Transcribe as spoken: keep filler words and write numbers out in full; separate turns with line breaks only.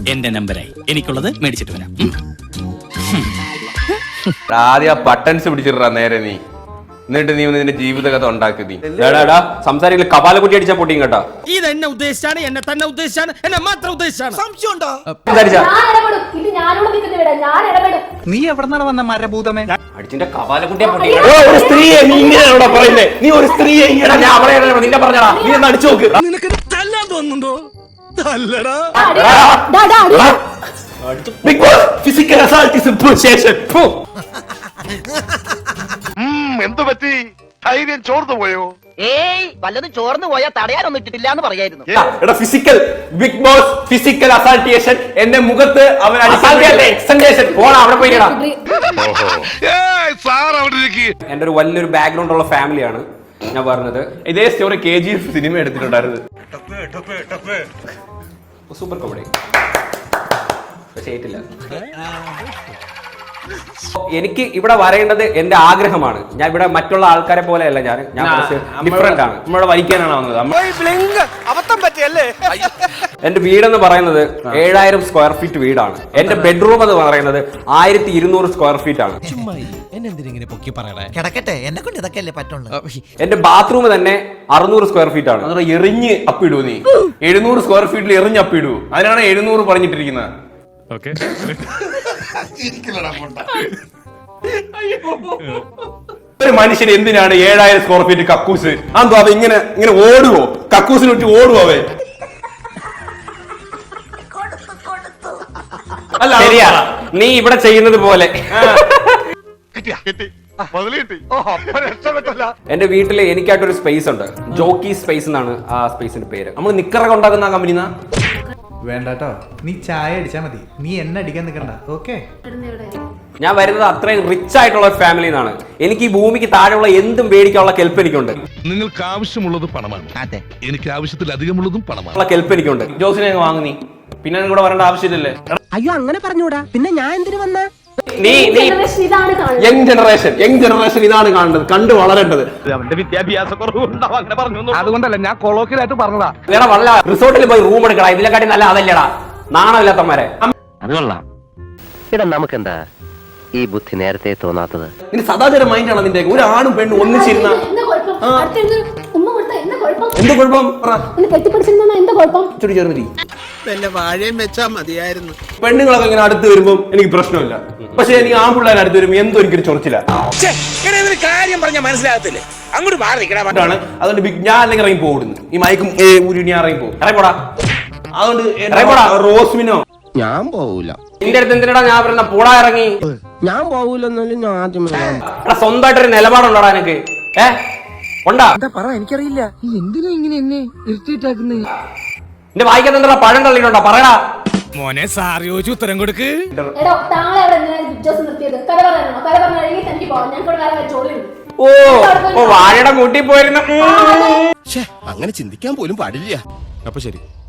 എന്റെ നമ്പരായി. എനിക്കുള്ളത് മേടിച്ചിട്ട് വരാം.
ആദ്യം ബട്ടൺസ് പിടിച്ചിട്ടാ നേരെ നീ, എന്നിട്ട് നീ നിന്റെ ജീവിത കഥ ഉണ്ടാക്കി. നീ സംസാരിക്കില്ല, കപാല കുട്ടി അടിച്ചാ പൊട്ടിയും കേട്ടോ.
ഇത് എന്നെ ഉദ്ദേശിച്ചാണ്, എന്നെ തന്നെ ഉദ്ദേശിച്ചാണ്, എന്നെ മാത്രം ഉദ്ദേശിച്ചാണ്. സംശയമുണ്ടോ?
നീ എവിടെന്നാണ് വന്ന മരഭൂതമേ?
അടിച്ചിന്റെ കപാല കുട്ടിയെ പൊട്ടിക്കും. ഒരു സ്ത്രീയെ നീ ഇങ്ങനെയാണോ പറയുന്നേ? നീ ഒരു സ്ത്രീയെ ഇങ്ങനെ ഞാൻ അവളെ നിന്നെ പറഞ്ഞടാ, നീ ഒന്ന് അടിച്ചു നോക്ക്.
നിനക്ക് തല്ലാൻ തോന്നുന്നുണ്ടോ? തല്ലടാ.
Big boss physical assault is ശേഷം
എന്തു പറ്റി? ധൈര്യം ചോർന്നു പോയോ?
ഏയ് വല്ലതും ചോർന്നു പോയാൽ തടയാനൊന്നും ഇട്ടിട്ടില്ല എന്ന് പറയായിരുന്നു.
എടാ ഫിസിക്കൽ ബിഗ് ബോസ് ഫിസിക്കൽ അസാൾട്ടേഷൻ എന്റെ മുഖത്ത് അവൻ എക്സന്റേഷൻ പോണ അവിടെ പോയി. എന്റെ ഒരു വലിയൊരു ബാക്ക്ഗ്രൗണ്ട് ഉള്ള ഫാമിലിയാണ് ഞാൻ പറഞ്ഞത്. ഇതേ story K G F cinema എടുത്തിട്ടുണ്ടായിരുന്നു. സൂപ്പർ കോമഡി പക്ഷേ ഏറ്റില്ല. എനിക്ക് ഇവിടെ വരേണ്ടത് എന്റെ ആഗ്രഹമാണ്. ഞാൻ ഇവിടെ മറ്റുള്ള ആൾക്കാരെ പോലെയല്ല. ഞാൻ ഞാൻ ഡിഫറെന്റ് ആണ്. നമ്മളെ വരിക്കാനാണ് വന്നത്. എന്റെ വീടെന്ന് പറയുന്നത് ഏഴായിരം സ്ക്വയർ ഫീറ്റ് വീടാണ്. എന്റെ ബെഡ്റൂം എന്ന് പറയുന്നത് ആയിരത്തി ഇരുന്നൂറ് സ്ക്വയർ ഫീറ്റ് ആണ്. എന്റെ ബാത്റൂം തന്നെ അറുന്നൂറ് സ്ക്വയർ ഫീറ്റ് ആണ്. അത് എറിഞ്ഞ് അപ്പിടൂ നീ. എഴുന്നൂറ് സ്ക്വയർ ഫീറ്റിൽ എറിഞ്ഞ് അപ്പിടൂ. അതിനാണ് എഴുന്നൂറ് പറഞ്ഞിട്ടിരിക്കുന്നത്. ഒരു മനുഷ്യൻ എന്തിനാണ് ഏഴായിരം സ്ക്വയർ ഫീറ്റ് കക്കൂസ്? അതോ അത് ഇങ്ങനെ ഇങ്ങനെ ഓടുവോ? കക്കൂസിന് വിട്ട് ഓടുവോ അവൻ? അല്ല ശരിയാ, നീ ഇവിടെ ചെയ്യുന്നത് പോലെ. എന്റെ വീട്ടില് എനിക്കായിട്ടൊരു സ്പേസ് ഉണ്ട്. ജോക്കി സ്പേസ് എന്നാണ് ആ സ്പേസിന്റെ പേര്. നമ്മൾ നിക്കറൊക്കെ ഉണ്ടാക്കുന്ന ആ കമ്പനി.
വേണ്ടട്ടോ, നീ ചായ അടിച്ചാ മതി, നീ എന്നെ അടിക്കാൻ നിൽക്കണ്ട. ഓക്കെ,
ഞാൻ വരുന്നത് അത്രയും റിച്ച് ആയിട്ടുള്ള ഒരു ഫാമിലി നിന്നാണ്. എനിക്ക് ഈ ഭൂമിക്ക് താഴെയുള്ള എന്തും മേടിക്കാനുള്ള കെൽപ്പ് എനിക്കുണ്ട്.
നിങ്ങൾക്ക് ആവശ്യമുള്ളത് പണമാണ്, എനിക്ക് ആവശ്യത്തിൽ അധികമുള്ളതും പണമാണ്.
കെൽപ്പ് എനിക്കുണ്ട്. ജോസിനെ വാങ്ങി നീ പിന്നെ കൂടെ വരേണ്ട ആവശ്യമില്ലല്ലേ?
അയ്യോ അങ്ങനെ പറഞ്ഞൂടാ, പിന്നെ ഞാൻ എന്തിനു വന്ന?
നീ യങ് ജനറേഷൻ യങ് ജനറേഷൻ ഇതാണ് കാണേണ്ടത്, കണ്ടു വളരേണ്ടത്.
അവന്റെ വിദ്യാഭ്യാസ കുറവുണ്ടാവും അങ്ങനെ പറഞ്ഞു. അതുകൊണ്ടല്ല, ഞാൻ കൊളോക്കിലായിട്ട് പറഞ്ഞതാ.
വേറെ വല്ല റിസോർട്ടിൽ പോയി റൂം എടുക്കടാ, ഇതിനെക്കാട്ടി നല്ല അതല്ലടാ. നാണമില്ലാത്തമാരെ.
അത് കൊള്ളാം. ഇടാ നമുക്കെന്താ ഈ ബുദ്ധി നേരത്തെ തോന്നാത്തത്?
നിന്റെ സദാചാര മൈൻഡാണ് നിന്റെ. ഒരു ആണും പെണ്ണും ഒന്നിച്ചിരുന്ന എന്ത് കുഴപ്പം?
വാഴയും വെച്ചാ മതിയായിരുന്നു.
പെണ്ണുങ്ങളൊക്കെ ഇങ്ങനെ അടുത്ത് വരുമ്പോ എനിക്ക് പ്രശ്നമില്ല. പക്ഷെ എനിക്ക് ആൺപിള്ളേർ അടുത്ത് വരുമ്പോ എന്തോ എനിക്കൊരു ചൊറിച്ചില്ല.
കാര്യം പറഞ്ഞാൽ മനസ്സിലാകത്തില്ലേ? അങ്ങോട്ട് മാറിയാണ്.
അതുകൊണ്ട് ഞാൻ അല്ലെങ്കിൽ ഇറങ്ങി പോകുന്നു. ഈ മയക്കും ഞാൻ ഇറങ്ങി പോകും. ഇറങ്ങിപ്പോടാ. അതുകൊണ്ട് റോസ്മിനോ
ഞാൻ പോവൂല.
നിന്റെ അടുത്ത് എന്തിനാ ഞാൻ പറയുന്ന പോടാ ഇറങ്ങി?
ഞാൻ പോവൂലെന്നാലും ഞാൻ ആദ്യം
സ്വന്തമായിട്ടൊരു നിലപാടുണ്ടോടാ എനിക്ക്? ഏ ഉണ്ടാ?
എനിക്കറിയില്ല എന്തിനാ ഇങ്ങനെ എന്നെ ഇറിറ്റേറ്റ്.
എന്റെ വായിക്കാത്ത എന്താ പഴം തള്ളിയിട്ടുണ്ടോ? പറയടാ
മോനെ. സാറി ചോദിച്ചു ഉത്തരം കൊടുക്ക്.
ഓ ഓ വാഴയുടെ കൂട്ടി പോയിരുന്നു.
അങ്ങനെ ചിന്തിക്കാൻ പോലും പാടില്ല. അപ്പൊ ശരി.